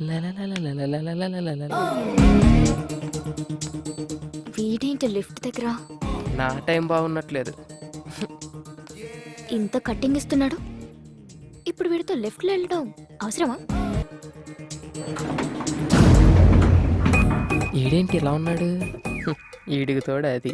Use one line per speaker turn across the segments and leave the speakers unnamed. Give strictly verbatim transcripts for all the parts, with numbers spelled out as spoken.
వీడేంటి లిఫ్ట్ దగ్గర
నా టైం బాగున్నట్లేదు.
ఇంత కట్టింగ్ ఇస్తున్నాడు, ఇప్పుడు వీడితో లెఫ్ట్ లో వెళ్ళడం అవసరమా?
ఈడేంటి ఇలా ఉన్నాడు? ఈడికి తోడు అది.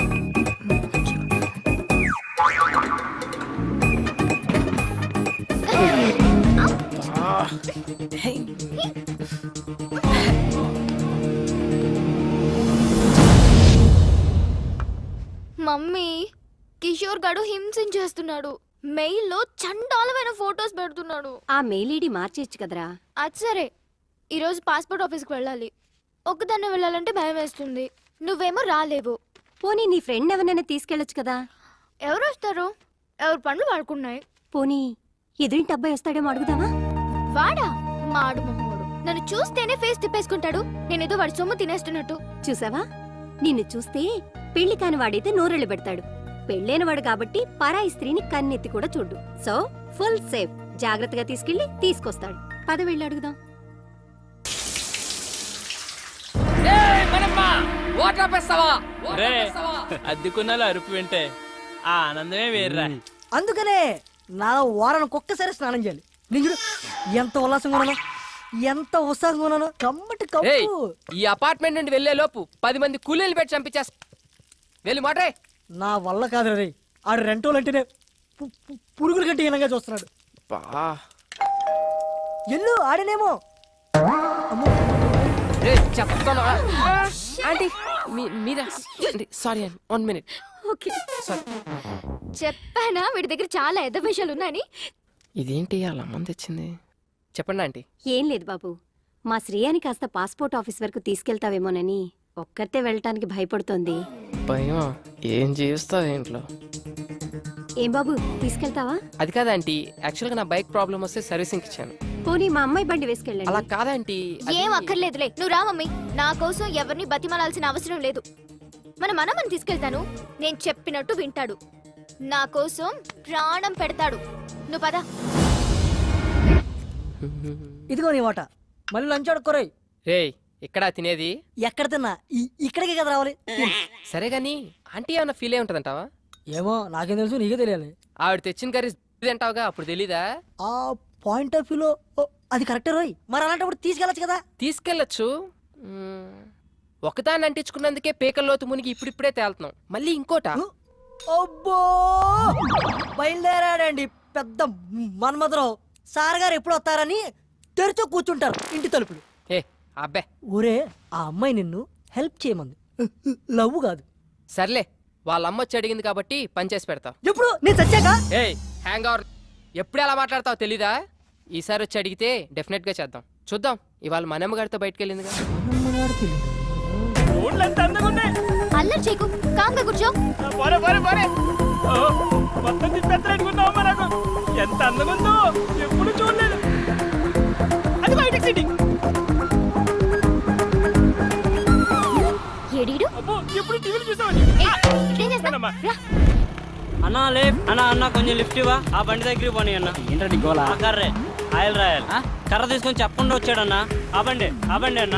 మమ్మీ, కిషోర్ గడు హింసించేస్తున్నాడు. మెయిల్ లో చండాలమైన ఫోటోస్ పెడుతున్నాడు.
ఆ మెయిల్ ఐడి మార్చేయచ్చు కదరా.
అది సరే, ఈరోజు పాస్పోర్ట్ ఆఫీస్కి వెళ్ళాలి. ఒక్కదాన్నే వెళ్ళాలంటే భయం వేస్తుంది. నువ్వేమో రాలేవు.
పోనీ నీ ఫ్రెండ్ ఎవరినైనా తీసుకెళ్ళొచ్చు కదా.
ఎవరు వస్తారు? ఎవరు పనులు వాడుకున్నాయి.
పోనీ ఎదురింటి అబ్బాయి వస్తాడేమో అడుగుదామా?
వాడా మాడు మొహోడు. నన్ను చూస్తేనే ఫేస్ తిప్పేసుకుంటాడు. నేనేదో వాడి సొమ్ము తినేస్తున్నట్టు.
చూసావా, నిన్ను చూస్తే పెళ్లి కాని వాడైతే నోరెళ్ళు పెడతాడు. పెళ్ళైన వాడు కాబట్టి పరాయి స్త్రీని కన్నెత్తి కూడా చూడు. So full safe. జాగ్రత్తగా తీసుకెళ్లి తీసుకొస్తాడు. పద వెళ్ళి అడుగుదాం.
అద్దెకున్నాలో అరుపు వింటే ఆ ఆనందమే వేర్రా.
అందుకనే నా వారానికి ఒక్కసారి స్నానం చేయాలి. నేను చూడు ఎంత ఉల్లాసంగా ఉన్నాను, ఎంత ఉత్సాహంగా ఉన్నాను. కమ్మటి
ఏయ్,
కప్పు.
ఈ అపార్ట్మెంట్ నుండి వెళ్లే లోపు పది మంది కూలీలు పెట్టి చంపించేస్తా. వెళ్ళి మాట్రే.
నా వల్ల కాదు రే. ఆడు రెంటోలు అంటేనే పు- పు- పురుగుల కంటే హీనంగా చూస్తున్నాడు.
బా
ఎల్లు ఆడనేమో.
రే చెప్తాను. ఆంటీ మీరా? సారీ అండి, వన్ మినిట్.
Okay,
sorry.
చెప్పానా వీడి దగ్గర చాలా ఎద్ద విషయాలు ఉన్నాయని?
ఇదేంటి అలా మంది వచ్చింది? చెప్పండి ఆంటీ.
ఏం లేదు బాబు, మా శ్రేయాని కాస్త పాస్పోర్ట్ ఆఫీస్ వరకు తీసుకెళ్తావేమోనని ఒక్కరితే వెళ్ళటానికి భయపడుతోంది.
భయం? ఏం చేస్తావు ఇంట్లో?
ఏం బాబు, తీసుకెళ్తావా?
అది కాదంటీ, యాక్చువల్గా నా బైక్ ప్రాబ్లం వస్తే సర్వీసింగ్ ఇచ్చాను.
పోనీ మా అమ్మాయి బండి
అలా
వేసుకెళ్ళండి.
కాదంటీ.
ఏం అక్కర్లేదులే, నువ్వు రా మమ్మీ. నా కోసం ఎవరిని బతిమాలాల్సిన అవసరం లేదు. మన మనమని తీసుకెళ్తాను. నేను చెప్పినట్టు వింటాడు. నా కోసం ప్రాణం పెడతాడు. నువ్వు పద.
ఇదిగో నీ వాట. మళ్ళీ లంచ్ ఆడుకోరాయి.
రే ఇక్కడ తినేది?
ఎక్కడ తిన్నా ఈ- ఇక్కడికే కదా రావాలి.
సరే గాని ఆంటీ ఏమన్నా ఫీల్ అయి ఉంటదంటావా?
ఏమో నాకేం తెలుసు, నీకే తెలియాలి.
ఆవిడ తెచ్చిన కర్రీ తింటావుగా, అప్పుడు తెలీదా?
ఆ పాయింట్ ఆఫ్ వ్యూలో అది కరెక్టే రోయ్. మరి అలాంటప్పుడు తీసుకెళ్ళచ్చు కదా.
తీసుకెళ్ళచ్చు. మ్మ్. ఒకదాన్ని అంటించుకున్నందుకే పేకల్లోతు మునిగి ఇప్పుడిప్పుడే తేలుతున్నాం. మళ్ళీ ఇంకోట.
అబ్బో బయలుదేరాడండి పెద్ద మన్మధరావు. సార్ గారు ఎప్పుడు వస్తారని తెరిచో కూర్చుంటారు ఇంటి తలుపులు.
ఏ అబ్బే,
ఒరే ఆ అమ్మాయి నిన్ను హెల్ప్ చేయమంది, లవ్ కాదు.
సర్లే, వాళ్ళ అమ్మ వచ్చి అడిగింది కాబట్టి పని చేసి పెడతావు.
ఎప్పుడు నేను చచ్చాక?
ఏ హ్యాంగ్ అవర్, ఎప్పుడు ఎలా మాట్లాడతావు తెలీదా? ఈసారి వచ్చి అడిగితే డెఫినెట్ గా చేద్దాం. చూద్దాం. ఇవాళ మనమ్మ గారితో బయటకు వెళ్ళిందిగా.
అల్లరి చేయకు, కాంగా కూర్చో.
పోరే పోరే పోరే. ఓ, మొత్తం తిప్పేస్తారనుకున్నావమ్మా నాకు. ఎంత అందంగా ఉందో ఎప్పుడు చూడలేదు. అది బయట సిట్టింగ్.
ఏడీడు?
అబ్బో, ఎప్పుడు టీవీలు చూసావని.
ఏయ్, ఇదేం చేస్తావ్? రా.
అన్నా లే అన్నా అన్న కొంచెం లిఫ్ట్ ఇవ్వా. ఆ బండి దగ్గరికి పోనీ అన్న.
ఏంటండి గోలా?
ఆ కర్రే ఆయిల్ రాయాలి. కర్ర తీసుకొని చెప్పకుండా వచ్చాడన్నా. ఆ బండి ఆ బండి అన్న.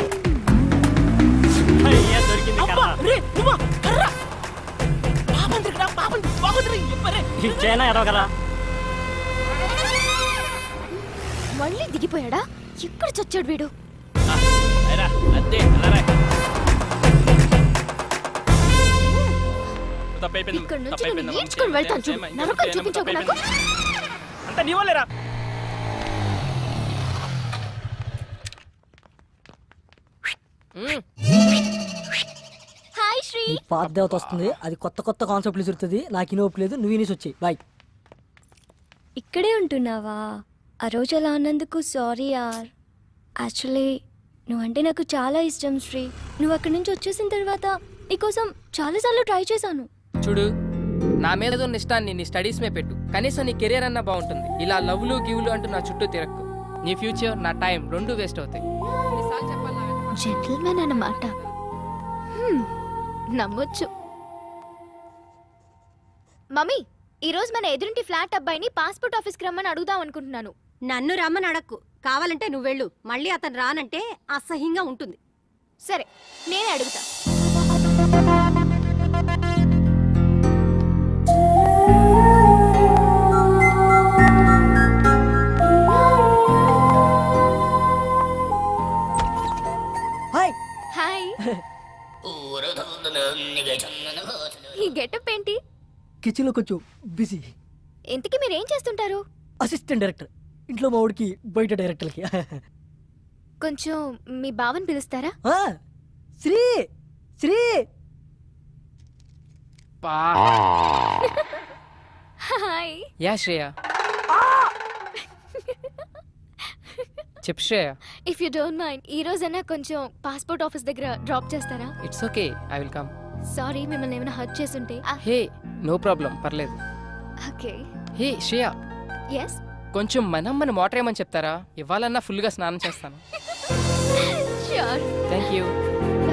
అయ్యా, దొరికింది కర్ర. ఇచ్చేనా ఎరవకరా.
మళ్ళీ దిగిపోయాడా? ఎక్కడ చచ్చాడు వీడు?
అదే
ఇక్కడ నుంచి నేను నేర్చుకుని వెళ్తాను చూడు. నరకం చూపించకు నాకు.
అంత నీ వాళ్ళేరా.
మ్మ్.
హాయ్ శ్రీ.
ఈ పాత దేవత వస్తుంది, అది కొత్త కొత్త కాన్సెప్ట్లు చూస్తుంది. నాకు ఇనోపు లేదు, నువ్వు ఇనేసి వచ్చాయి. బాయ్.
ఇక్కడే ఉంటున్నావా? ఆ రోజు అలా అన్నందుకు సారీ యార్. యాక్చువల్లీ నువ్వంటే నాకు చాలా ఇష్టం శ్రీ. నువ్వు అక్కడి నుంచి వచ్చేసిన తర్వాత నీకోసం చాలాసార్లు ట్రై చేశాను.
చూడు, నా మీద ఉన్న ఇష్టాన్ని నీ స్టడీస్ మే పెట్టు. కనీసం నీ కెరీర్ అన్నా బాగుంటుంది. ఇలా లవ్లు గివ్లు అంటూ నా చుట్టూ తిరక్కు. నీ ఫ్యూచర్, నా టైం రెండు వేస్ట్ అవుతాయి. ఎన్నిసార్లు చెప్పాలి నా వెంట?
జెంటిల్మెన్ అన్నమాట. హ్మ్, నమ్మొచ్చు. మమ్మీ, ఈరోజు మన ఎదురింటి ఫ్లాట్ అబ్బాయిని పాస్పోర్ట్ ఆఫీస్కి రమ్మని అడుగుదాం అనుకుంటున్నాను.
నన్ను రమ్మని అడక్కు. కావాలంటే నువ్వు వెళ్ళు మళ్ళీ అతను రానంటే అసహ్యంగా ఉంటుంది.
సరే నేనే అడుగుతా.
హాయ్.
హాయ్. ఈ గెటప్ ఏంటి?
కిచెన్లో కొంచెం బిజీ.
ఇంతకీ మీరేం చేస్తుంటారు?
Assistant director. ఇంట్లో మా వాడికి బయట డైరెక్టర్కి.
కొంచెం మీ బావని పిలుస్తారా?
ఆ, శ్రీ శ్రీ
పా
హాయ్.
యా శ్రేయ. చెప్పు Shreya.
If you don't mind ఈ రోజైనా కొంచెం పాస్పోర్ట్ ఆఫీస్ దగ్గర డ్రాప్ చేస్తారా?
It's okay, I will come.
Sorry మిమ్మల్ని ఏమైనా హర్ట్ చేసుంటే.
హే నో ప్రాబ్లం, పర్లేదు.
ఓకే.
Hey Shreya,
yes.
కొంచెం మనం మన వాటర్ ఏమని చెప్తారా? ఇవ్వాలన్నా ఫుల్గా స్నానం చేస్తాను.
ష్యూర్.
Thank you.
బై.